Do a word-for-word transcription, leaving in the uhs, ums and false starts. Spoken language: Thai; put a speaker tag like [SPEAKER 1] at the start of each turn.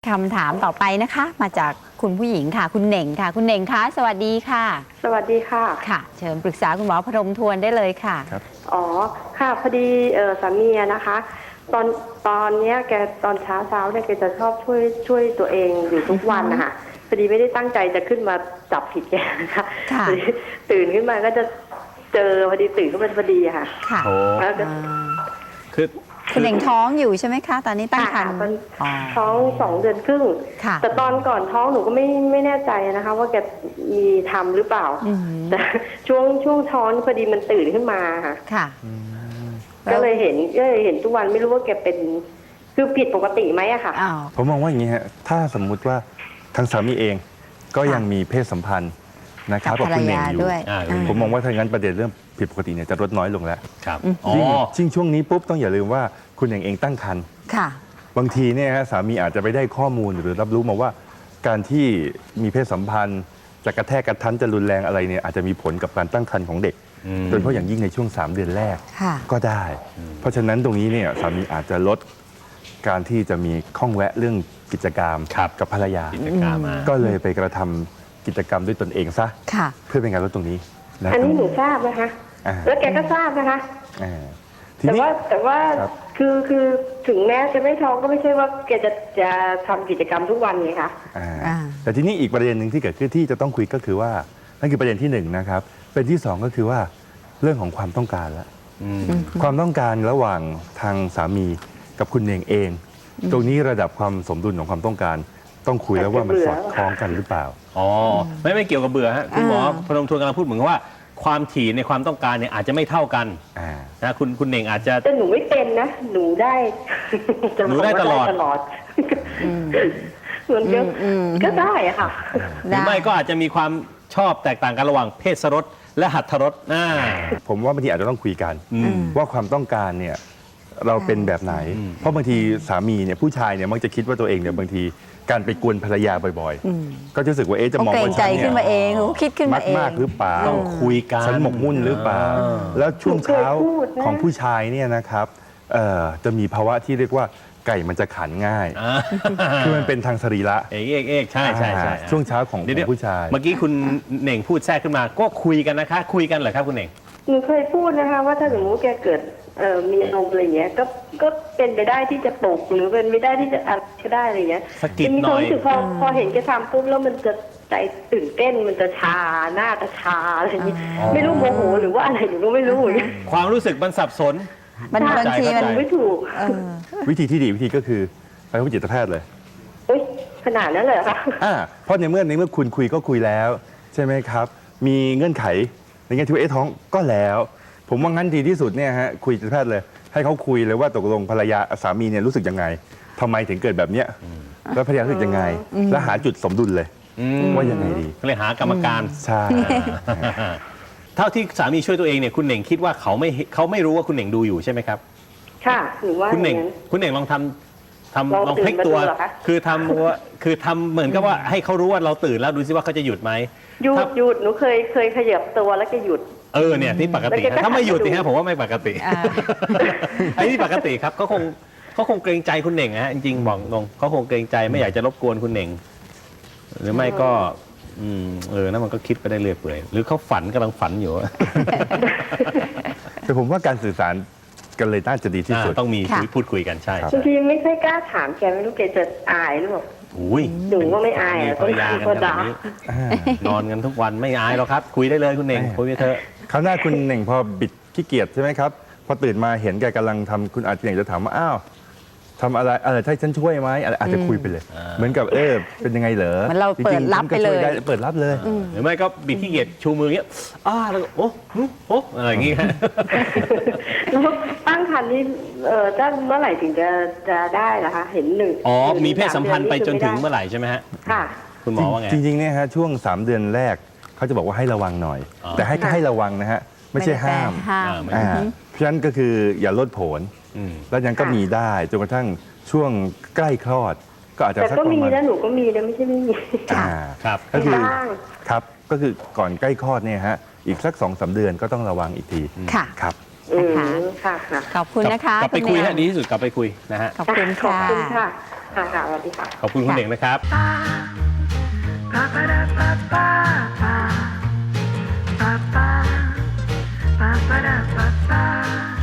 [SPEAKER 1] คำถามต่อไปนะคะมาจากคุณผู้หญิงค่ะคุณเหน่งค่ะคุณเหน่งคะสวัสดีค่ะ
[SPEAKER 2] สวัสดีค่ะ
[SPEAKER 1] ค่ะเชิญปรึกษาคุณหมอพนมทวนได้เลยค่ะ
[SPEAKER 3] ครับ
[SPEAKER 2] อ๋อค่ะพอดีเออสามีนะคะ ตอนตอนเนี้ยแกตอนเช้าเช้าเนี่ยแกจะชอบช่วยช่วยตัวเองอยู่ทุกวันนะคะพอดีไม่ได้ตั้งใจจะขึ้นมาจับผิดแกนะคะตื่นขึ้นมาก็จะเจอพอดีตื่นขึ้นมาพอดีค่ะ
[SPEAKER 1] ค่ะ
[SPEAKER 2] แล้วก็
[SPEAKER 3] คือ
[SPEAKER 1] คุณเหน่งท้องอยู่ใช่ไหมคะตอนนี้ตั้งครรภ์
[SPEAKER 2] ท้องสองเดือนครึ่งแต่ตอนก่อนท้องหนูก็ไม่ไม่แน่ใจนะคะ ว่าแกมีทำหรือเปล่าแต่ช่วงช่วงท้องพอดีมันตื่นขึ้นมาค่ะ
[SPEAKER 1] ค่ะ
[SPEAKER 2] ก็เลยเห็นก็เลยเห็นทุกวันไม่รู้ว่าแกเป็นคือผิดปกติไหมอะค่ะ
[SPEAKER 3] ผมมองว่าอย่างนี้ฮะถ้าสมมุติว่าทางสามีเองก็ยังมีเพศสัมพันธ์นะครับกับคุณเหน่งอยู่ผมมองว่าถ้างั้นประเด็นเรื่องผิดปกติเนี่ยจะลดน้อยลงแล้ว
[SPEAKER 4] ครับ
[SPEAKER 3] ยิ่งช่วงนี้ปุ๊บต้องอย่าลืมว่าคุณเหน่งเองตั้งครรภ์บางทีเนี่ยฮะสามีอาจจะไปได้ข้อมูลหรือรับรู้มาว่าการที่มีเพศสัมพันธ์จะกระแทกกระทันจะรุนแรงอะไรเนี่ยอาจจะมีผลกับการตั้งครรภ์ของเด็กโดยเฉพาะอย่างยิ่งในช่วงสามเดือนแรกก็ได้เพราะฉะนั้นตรงนี้เนี่ยสามีอาจจะลดการที่จะมีข้องแวะเรื่องกิจกรรมกับภรรยาก็เลยไปกระทำกิจกรรมด้วยตนเองซะเพื่อเป็นการลดตรงนี้
[SPEAKER 2] อันนี้หนูทราบนะคะแล้วแกก็ทราบนะคะแต่ว่าแต่ว่าคือคือถึงแม้จะไม่ท้องก็ไม่ใช่ว่าแกจะจะทำกิจกรรมทุกวันไงคะ
[SPEAKER 3] แต่ทีนี้อีกประเด็นหนึ่งที่เกิดขึ้นที่จะต้องคุยก็คือว่านั่นคือประเด็นที่หนึ่งนะครับเป็นที่สองก็คือว่าเรื่องของความต้องการแล้วความต้องการระหว่างทางสามีกับคุณเหน่งเอง ตรงนี้ระดับความสมดุลของความต้องการต้องคุยแล้วว่ามันสอดคล้องกันหรือเปล่า
[SPEAKER 4] อ๋อไม่ไม่เกี่ยวกับเบื่อฮะคุณหมอพนมทวนกำลังพูดเหมือนว่าความถี่ในความต้องการเนี่ยอาจจะไม่เท่ากันนะคุณคุณเหน่งอาจจะ
[SPEAKER 2] แต่หนูไม่เป็นนะหนูได้
[SPEAKER 4] หนูได้ตลอด
[SPEAKER 2] ตลอดเหมือนก็ก็ได้อะค่ะ
[SPEAKER 4] หรือไม่ก็อาจจะมีความชอบแตกต่างกันระหว่างเพศสรสและหัตถรส
[SPEAKER 3] ผมว่าบางทีอาจจะต้องคุยกันว่าความต้องการเนี่ยเราเป็นแบบไหนเพราะบางทีสามีเนี่ยผู้ชายเนี่ยมักจะคิดว่าตัวเองเนี่ยบางทีการไปกวนภรรยาบ่อยๆก็จะรู้สึกว่าเอ๊ะจะมองว่าฉันเนี่ย
[SPEAKER 1] ขึ้นมาเองคิดขึ้นมาเอง
[SPEAKER 3] มากหรือเปล่า
[SPEAKER 4] ต้องคุยกัน
[SPEAKER 3] ฉันหมกมุ่นหรือเปล่าแล้วช่วงเช้าของผู้ชายเนี่ยนะครับจะมีภาวะที่เรียกว่าไก่มันจะขันง่ายคือมันเป็นทางสรีระ
[SPEAKER 4] เอกเอกเอกใช่ใช่ใช่
[SPEAKER 3] ช่วงเช้าของผู้ชาย
[SPEAKER 4] เมื่อกี้คุณเหน่งพูดแทรกขึ้นมาก็คุยกันนะคะคุยกันเหรอครับคุณเหน่ง
[SPEAKER 2] หนูเคยพูดนะคะว่าถ้าสมมติแกเกิดมีอารมณ์อะไรเงี้ยก็ก็เป็นไปได้ที่จะปลุกหรือเป็นไปได้ที่จะอะไรก็ได้อะไรเงี้ย
[SPEAKER 4] สกิดหน่อย
[SPEAKER 2] พอพอเห็นแกทำปุ๊บแล้วมันจะใจตื่นเต้นมันจะชาหน้าจะชาอะไรอย่างนี้ไม่รู้โมโหหรือว่าอะไรหนูก็ไม่รู้
[SPEAKER 4] ความรู้สึกมันสับสน
[SPEAKER 1] มันบางทีมัน
[SPEAKER 2] ไม่ถูก
[SPEAKER 3] วิธีที่ดีวิธีก็คือไปพบจิตแพทย์เลย
[SPEAKER 2] ขนาดนั้นเลยค่ะ
[SPEAKER 3] เพราะในเมื่อในเมื่อคุณคุยก็คุยแล้วใช่ไหมครับมีเงื่อนไขในแง่ที่ว่าเอ๊ะท้องก็แล้วผมว่างั้นดีที่สุดเนี่ยฮะคุยจิตแพทย์เลยให้เขาคุยเลยว่าตกลงภรรยาสามีเนี่ยรู้สึกยังไงทำไมถึงเกิดแบบเนี้ยแล้วภรรยารู้สึกยังไงแล้วหาจุดสมดุลเลยว่ายังไงดี
[SPEAKER 4] เลยหากรรมการ
[SPEAKER 3] ใช่
[SPEAKER 4] เท่าที่สามีช่วยตัวเองเนี่ยคุณเหน่งคิดว่าเขาไม่เขาไม่รู้ว่าคุณเหน่งดูอยู่ใช่ไหมครับ
[SPEAKER 2] ค่ะหรือว่า
[SPEAKER 4] คุณเหน่งคุณเหน่งลองทำทำลองพลิกตัวคือทำว่าคือทำเหมือนกับว่าให้เขารู้ว่าเราตื่นแล้วดูซิว่าเขาจะหยุดไหม
[SPEAKER 2] หยุดหยุดหนูเคยเคยขยับตัวแล้วก็หยุด
[SPEAKER 4] เออเนี่ยนี่ปกติถ้าไม่หยุดนี่ฮะผมว่าไม่ปกติไอ้นี่ปกติครับเขาคงเขาคงเกรงใจคุณเหน่งฮะจริงๆบอกตรงเขาคงเกรงใจไม่อยากจะรบกวนคุณเหน่งหรือไม่ก็อืมเออนั่นมันก็คิดไปได้เรื่อยเปื่อยหรือเขาฝันกำลังฝันอยู่
[SPEAKER 3] แต่ผมว่าการสื่อสารกันเลยน่าจะดีที่สุด
[SPEAKER 4] ต้องมีพูดคุยกันใช่
[SPEAKER 2] บางทีไม่ค่อยกล้าถามแกไม่รู้แกจะอายหรือเปล่า
[SPEAKER 4] อุ้ย
[SPEAKER 2] หนูว่าไม่อาย
[SPEAKER 4] ภรรยากันแบบนี้นอนกันทุกวันไม่อายหรอกครับคุยได้เลยคุณเหน่งคุยไปเถอะ
[SPEAKER 3] คราวหน้าคุณเหน่งพอบิดขี้เกียจใช่ไหมครับพอตื่นมาเห็นแกกำลังทำคุณอาจจะเหน่งจะถามว่าอ้าวทำอะไรอะไรให้ฉันช่วยไหมอาจจะคุยไปเลยเหมือนกับเออเป็นยังไงเหรอ
[SPEAKER 1] เราเปิดรับไปเลย
[SPEAKER 3] เปิดรับเลย
[SPEAKER 4] หรือไม่ก็บิดขี้เกียจชูมือเงี้ยอ้าแล้วโอ้โอ้อะไรอย่างงี้
[SPEAKER 2] แล้วตั้งครรภ์นี่เออตั้งเมื่อไหร่ถึงจะจะได้ล่ะคะเห็นหนึ่ง
[SPEAKER 4] อ๋อมีเพศสัมพันธ์ไปจนถึงเมื่อไหร่ใช่ไหมฮะ
[SPEAKER 2] ค่ะ
[SPEAKER 4] คุณหมอว่าไง
[SPEAKER 3] จริงๆเนี่ยฮะช่วงสามเดือนแรกเขาจะบอกว่าให้ระวังหน่อยแต่ให้ให้ระวังนะฮะไม่ใช่ห้ามเพราะฉะนั้นก็คืออย่าลดผลแล้วยังก็มีได้จนกระทั่งช่วงใกล้คลอดก็อาจจะ
[SPEAKER 2] แต่ก็มีนะหนูก็มีนะไม่ใช่ไม่มี
[SPEAKER 3] ครับก็คือครับก็คือก่อนใกล้คลอดเนี่ยฮะอีกสักสองสามเดือนก็ต้องระวังอีกที
[SPEAKER 1] ค่ะ
[SPEAKER 3] ครับ
[SPEAKER 1] ค่ะขอบคุณนะคะ
[SPEAKER 4] กลับไปคุยฮะดีที่สุดกลับไปคุยนะฮะ
[SPEAKER 1] ขอบคุณค่ะ
[SPEAKER 2] ค่ะค่ะสวัสดีค่ะ
[SPEAKER 4] ขอบคุณคุณเหน่งนะครับ
[SPEAKER 5] Ba-ba-da-ba-ba-ba. Ba-ba-da-ba-ba.